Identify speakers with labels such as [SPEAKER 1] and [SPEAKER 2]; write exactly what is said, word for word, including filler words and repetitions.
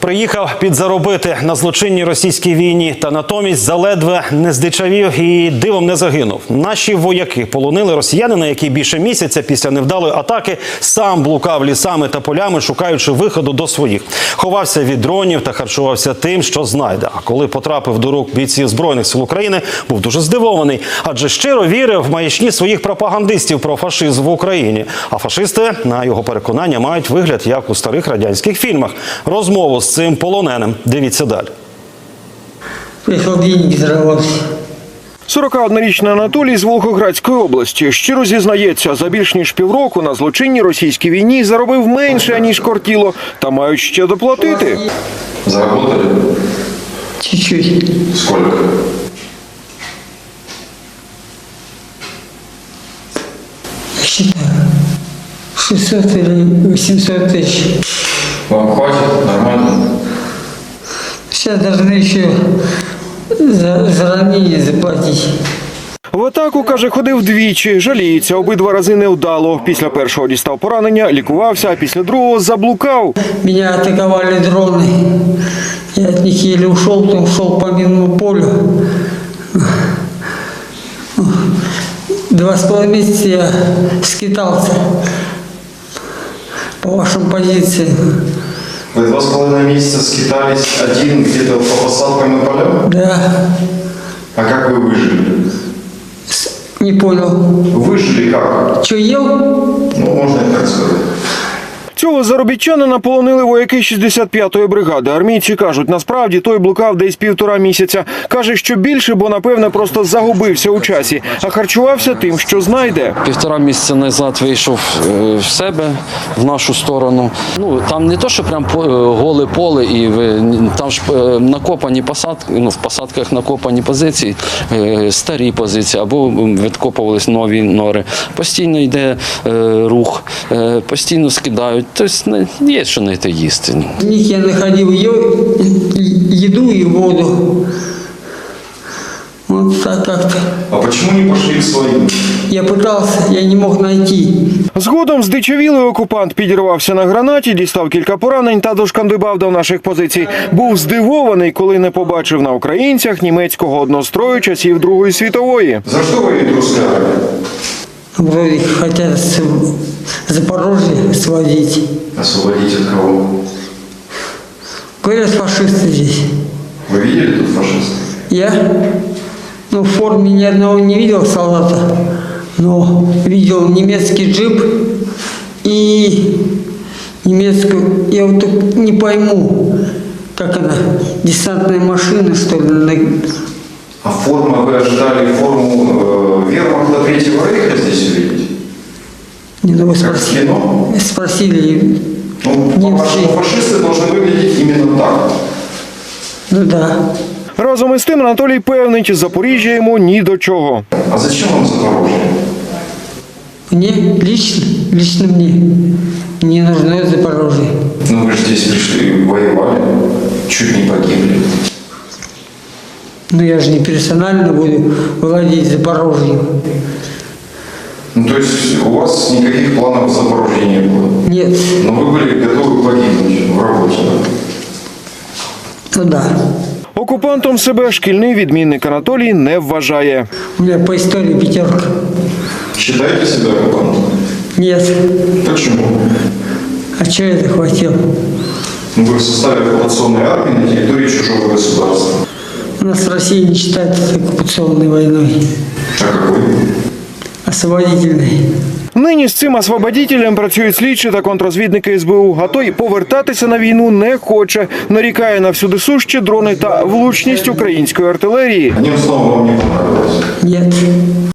[SPEAKER 1] Приїхав підзаробити на злочинній російській війні, та натомість заледве не здичавів і дивом не загинув. Наші вояки полонили росіянина, який більше місяця після невдалої атаки сам блукав лісами та полями, шукаючи виходу до своїх. Ховався від дронів та харчувався тим, що знайде. А коли потрапив до рук бійців Збройних сил України, був дуже здивований, адже щиро вірив в маячні своїх пропагандистів про фашизм в Україні. А фашисти, на його переконання, мають вигляд, як у старих радянських фільмах. Розмову з цим полоненим дивіться далі.
[SPEAKER 2] Прийшов деньги заробити.
[SPEAKER 3] сорокаоднорічний Анатолій з Волгоградської області щиро зізнається, за більш ніж півроку на злочинній російській війні заробив менше, ніж кортіло, та мають ще доплатити.
[SPEAKER 4] Заработали?
[SPEAKER 2] Чуть-чуть.
[SPEAKER 4] Сколько?
[SPEAKER 2] Считаю. шестьсот или восемьсот тысяч.
[SPEAKER 4] Вам хватит? Нормально?
[SPEAKER 2] Сейчас должны еще за, за ранение заплатить.
[SPEAKER 3] В атаку, каже, ходив двічі, жаліється, обидва рази невдало. Після першого дістав поранення, лікувався, а після другого заблукав.
[SPEAKER 2] Меня атаковали дроны. Я от них еле ушел, то ушел по минному полю. Два с половиной месяца я скитался по вашим позициям.
[SPEAKER 4] Вы два с половиной месяца скитались один где-то по посадкам и полям?
[SPEAKER 2] Да,
[SPEAKER 4] А как вы выжили?
[SPEAKER 2] не понял.
[SPEAKER 4] Выжили как?
[SPEAKER 2] Что, ел?
[SPEAKER 4] Ну, можно и так сказать.
[SPEAKER 3] Цього заробітчанина полонили вояки шістдесят п'ятої бригади. Армійці кажуть, насправді той блукав десь півтора місяця. Каже, що більше, бо, напевне, просто загубився у часі, а харчувався тим, що знайде.
[SPEAKER 5] Півтора місяця назад вийшов в себе, в нашу сторону. Ну, там не то, що прям голе поле, і ви, там ж накопані посадки, ну, в посадках накопані позиції, старі позиції, або відкопувались нові нори. Постійно йде рух, постійно скидають. Тобто є що знайти їсти.
[SPEAKER 2] В них я находил еду и воду. Вот так как-то.
[SPEAKER 4] А почему не пошли к своим?
[SPEAKER 2] Я пытался, я не мог найти.
[SPEAKER 3] Згодом здичавілий окупант підірвався на гранаті, дістав кілька поранень та дошкандибав до наших позицій. Був здивований, коли не побачив на українцях німецького однострою часів Другої світової.
[SPEAKER 4] За что вы ведь русская армия?
[SPEAKER 2] Вроде хотят с Запорожье сводить.
[SPEAKER 4] Освободить от кого?
[SPEAKER 2] Говорят, фашисты здесь.
[SPEAKER 4] Вы видели тут фашистов?
[SPEAKER 2] Я, ну, в форме ни одного не видел солдата, но видел немецкий джип и немецкую, я вот так не пойму, как она, десантная машина, что ли.
[SPEAKER 4] А форма, вы ожидали форму э, вермахта Третьего Рейха здесь увидеть?
[SPEAKER 2] Не, ну, вы
[SPEAKER 4] Как в
[SPEAKER 2] спросили,
[SPEAKER 4] кино?
[SPEAKER 2] спросили
[SPEAKER 4] Ну,
[SPEAKER 2] немцы.
[SPEAKER 4] по-вашему, фашисты должны выглядеть именно так.
[SPEAKER 2] Ну да.
[SPEAKER 3] Разом із тим Анатолій певнить, Запоріжжя йому ні до чого.
[SPEAKER 4] А зачем вам Запорожье?
[SPEAKER 2] Мне лично, лично мне не нужно Запорожье.
[SPEAKER 4] Ну вы же здесь пришли, воевали, чуть не погибли.
[SPEAKER 2] Но я же не персонально буду владеть Запорожьем.
[SPEAKER 4] Ну то есть у вас никаких планов в Запорожье не было?
[SPEAKER 2] Нет.
[SPEAKER 4] Но вы были готовы погибнуть в работе, да?
[SPEAKER 2] Ну да.
[SPEAKER 3] Окупантом себе шкільний відмінник Анатолій не вважає.
[SPEAKER 2] У меня по истории пятерка.
[SPEAKER 4] Считаете себя оккупантом?
[SPEAKER 2] Нет.
[SPEAKER 4] Почему?
[SPEAKER 2] А что я захватил?
[SPEAKER 4] Ну, вы в составе оккупационной армии на территории чужого государства.
[SPEAKER 2] У нас Россия не считается оккупационной войной,
[SPEAKER 4] А какой?
[SPEAKER 2] освободительной.
[SPEAKER 3] Нині з цим освободітелем працюють слідчі та контррозвідники ес бе у, а той повертатися на війну не хоче. Нарікає на всюдисущі дрони та влучність української артилерії.
[SPEAKER 4] Одним словом, вам не понравилось?
[SPEAKER 2] Нет.